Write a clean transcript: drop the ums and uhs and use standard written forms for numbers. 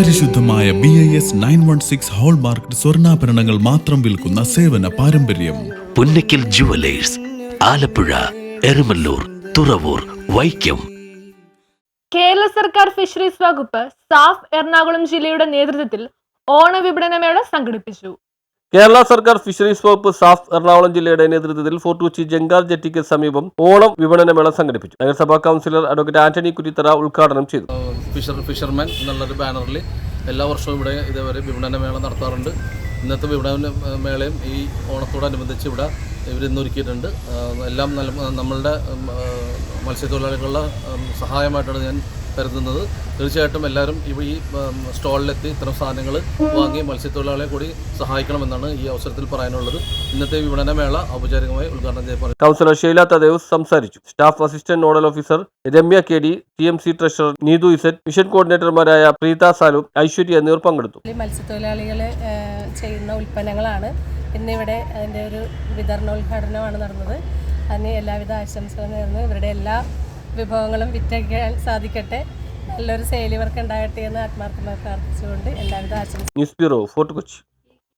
പരിശുദ്ധമായ BIS 916 hallmark സ്വർണ്ണാഭരണങ്ങൾ മാത്രം വിൽക്കുന്ന സേവന പാരമ്പര്യം. പുന്നക്കൽ ജുവലേഴ്സ്, ആലപ്പുഴ, എരമല്ലൂർ, തുറവൂർ, വൈക്കം. കേരള സർക്കാർ ഫിഷറീസ് വകുപ്പ് സാഫ് എറണാകുളം ജില്ലയുടെ നേതൃത്വത്തിൽ ഓണവിപണനമേള സംഘടിപ്പിച്ചു. കേരള സർക്കാർ ഫിഷറീസ് വകുപ്പ് സാഫ് എറണാകുളം ജില്ലയുടെ നേതൃത്വത്തിൽ ഫോർട്ട് കൊച്ചി ജങ്കാർ ജെട്ടിക്ക് സമീപം ഓണം വിപണനമേള സംഘടിപ്പിച്ചു. നഗരസഭാ കൗൺസിലർ അഡ്വക്കേറ്റ് ആന്റണി കുറ്റിത്തറ ഉദ്ഘാടനം ചെയ്തു. ഫിഷർമാൻ എന്നുള്ളൊരു ബാനറിൽ എല്ലാ വർഷവും ഇവിടെ ഇതേവരെ വിപണനമേള നടത്താറുണ്ട്. ഇന്നത്തെ വിപണന മേളയും ഈ ഓണത്തോടനുബന്ധിച്ച് ഇവിടെ ഇവരിന്നൊരുക്കിയിട്ടുണ്ട്. എല്ലാം നമ്മളുടെ മത്സ്യത്തൊഴിലാളികളുടെ സഹായമായിട്ടാണ് ഞാൻ കരുതുന്നത്. തീർച്ചയായിട്ടും എല്ലാവരും ഈ സ്റ്റോളിലെത്തി ഇത്തരം സാധനങ്ങൾ വാങ്ങി മത്സ്യത്തൊഴിലാളികളെ കൂടി സഹായിക്കണമെന്നാണ് ഈ അവസരത്തിൽ പറയാനുള്ളത്. ഇന്നത്തെ വിപണനമേള ഔപചാരികമായി ഉദ്ഘാടനം ചെയ്യപ്പെടും. കൗൺസിലർ ഷീല തദേവ്സ് സംസാരിച്ചു. Staff assistant nodal officer Ramya KD, TMC treasurer Neethu ഇസറ്റ്, മിഷൻ കോർഡിനേറ്റർമാരായ പ്രീത സാലു, ഐശ്വര്യ എന്നിവർ പങ്കെടുത്തു. മത്സ്യത്തൊഴിലാളികൾ ചെയ്യുന്ന ഉൽപ്പന്നങ്ങളാണ് ഇന്നിവിടെ അതിൻ്റെ ഒരു വിതരണോദ്ഘാടനമാണ് നടന്നത്. അതിന് എല്ലാവിധ ആശംസകളും നേർന്ന് ഇവരുടെ എല്ലാ വിഭവങ്ങളും വിറ്റഴിക്കാൻ സാധിക്കട്ടെ, നല്ലൊരു സെയിൽ ഇവർക്ക് ഉണ്ടാകട്ടെ എന്ന് ആത്മാർത്ഥമായി പ്രാർത്ഥിച്ചുകൊണ്ട് എല്ലാവിധ ആശംസ. News bureau, Fort Kochi.